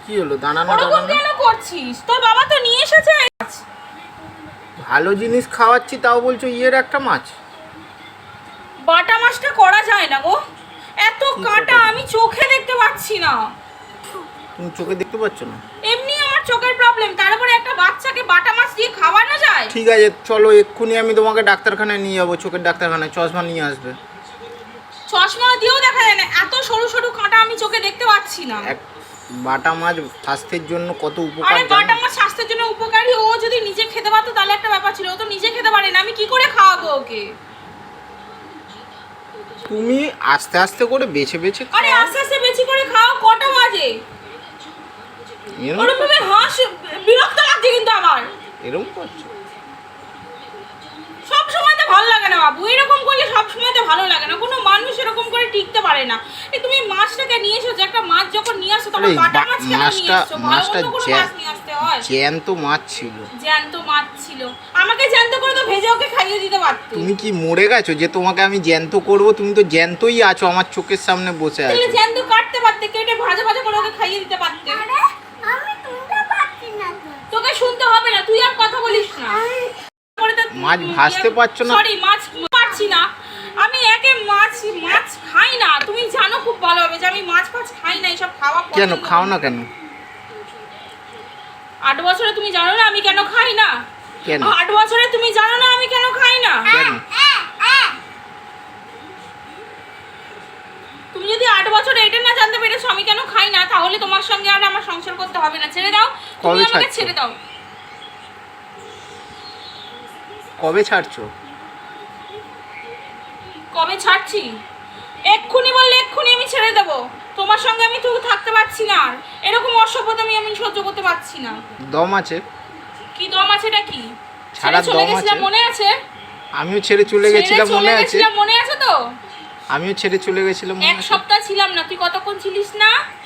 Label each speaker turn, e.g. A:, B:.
A: কি হলো দাঁড়ানো
B: ওরকম
A: দাঁড়ানো?
B: কেন করছিস? তোর বাবা তো নিয়ে এসেছে।
A: ভালো জিনিস খাওয়াচ্ছি তাও বলছো ইয়ের একটা মাছ।
B: বাটা মাছটা করা যায় না গো, এত কাঁটা
A: কথা?
B: আমি চোখে দেখতে পাচ্ছি না।
A: তুমি চোখে দেখতে পাচ্ছ না?
B: এমনি আমার চোখের প্রবলেম, তার উপরে একটা বাচ্চাকে বাটা মাছ দিয়ে খাওয়ানো যায়?
A: ঠিক আছে চলো এক্ষুনি আমি তোমাকে ডাক্তারখানায় নিয়ে যাবো, চোখের ডাক্তারখানায়, চশমা নিয়ে আসবে।
B: চশমা দিয়েও দেখা যায় না, এত সরু সরু কাঁটা আমি চোখে দেখতে পাচ্ছি না।
A: এক বাটা মাছ স্বাস্থ্যের জন্য কত উপকার
B: আরে
A: জানো?
B: বাটা মাছ স্বাস্থ্যের জন্য উপকারী, ও যদি নিজে খেতে পারতো তাহলে একটা ব্যাপার ছিল, ও তো নিজে খেতে পারে না, আমি কি করে খাওয়াবো ওকে?
A: তুমি আস্তে আস্তে করে বেছে বেছে
B: আরে
A: খাও।
B: আস্তে আস্তে বেশি করে খাও, কটা বাজে?
A: এরম
B: ওরকম ভাবে হাঁস, বিরক্ত লাগছে কিন্তু আমার।
A: এরম করছো?
B: সব সময় তো ভালো লাগে না বাবু, এরকম করলে সব সময় তো ভালো লাগে না, কোনো মানুষ এরকম করে টিকতে পারে না। এই তুমি মাছটাকে নিয়ে এসো, যে একটা মাছ যখন নিয়ে আসো তখন
A: আরে
B: বাটা মাছ কেন নিয়ে এসছো?
A: মাছটা
B: অন্য কোনো মাছ নিয়ে আসতে হয়?
A: জ্যান্ত মাছ ছিল।
B: জ্যান্ত মাছ ছিল, আমাকে জ্যান্ত করে তো ভেজে ওকে খাইয়ে দিতে পারতে।
A: তুমি কি মরে গেছো যে তোমাকে আমি জ্যান্ত করব? তুমি তো জ্যান্তই আছো, আমার চোখের সামনে বসে আছো।
B: তাহলে জ্যান্ত কাটতে পারতে, কেটে ভাজা ভাজা করে ওকে খাইয়ে দিতে পারতে।
C: আমি শুনতে পাচ্ছি না তো।
B: তোকে শুনতে হবে না, তুই আর কথা বলিস না।
A: মাছ ভাজতে পারছো না?
B: সরি, মাছ পারছি না আমি, একে মাছ মাছ খাই না, তুমি জানো খুব ভালোভাবে যে আমি মাছ ফাছ খাই না, এসব খাওয়া
A: কেন
B: পছন্দ
A: খাও
B: করি
A: না কেন?
B: 8 বছরে তুমি জানো না আমি কেন খাই না?
A: কেন?
B: 8 বছরে তুমি জানো না আমি কেন খাই না?
A: কেন?
B: তুমি যদি 8 বছরে এটা না জানতে পেরেছো আমি কেন খাই না, তাহলে তোমার সঙ্গে আর আমার সংসার করতে হবে না, ছেড়ে দাও, তুমি
A: কবে
B: আমাকে
A: ছাড়ছো?
B: ছেড়ে দাও।
A: কবে ছাড়ছো?
B: কবে ছাড়ছি? এক্ষুনি বললে এক্ষুনি আমি ছেড়ে দেবো, তোমার সঙ্গে আমি তো থাকতে পারছি না, আর এরকম অসভ্যতা আমি সহ্য করতে পারছি না।
A: দম আছে?
B: কি দম আছে? এটা কি?
A: ছাড়ার
B: ছেড়ে চলে
A: দম
B: গেছিলাম,
A: আছে?
B: মনে আছে?
A: আমিও ছেড়ে চলে গেছিলাম,
B: ছেড়ে
A: মনে
B: চলে
A: আছে?
B: গেছিলাম, মনে আছে তো?
A: আমিও ছেড়ে চলে গেছিলাম, মনে
B: এক
A: আছে?
B: সপ্তাহ ছিলাম না, তুই কতক্ষণ ছিলিস না?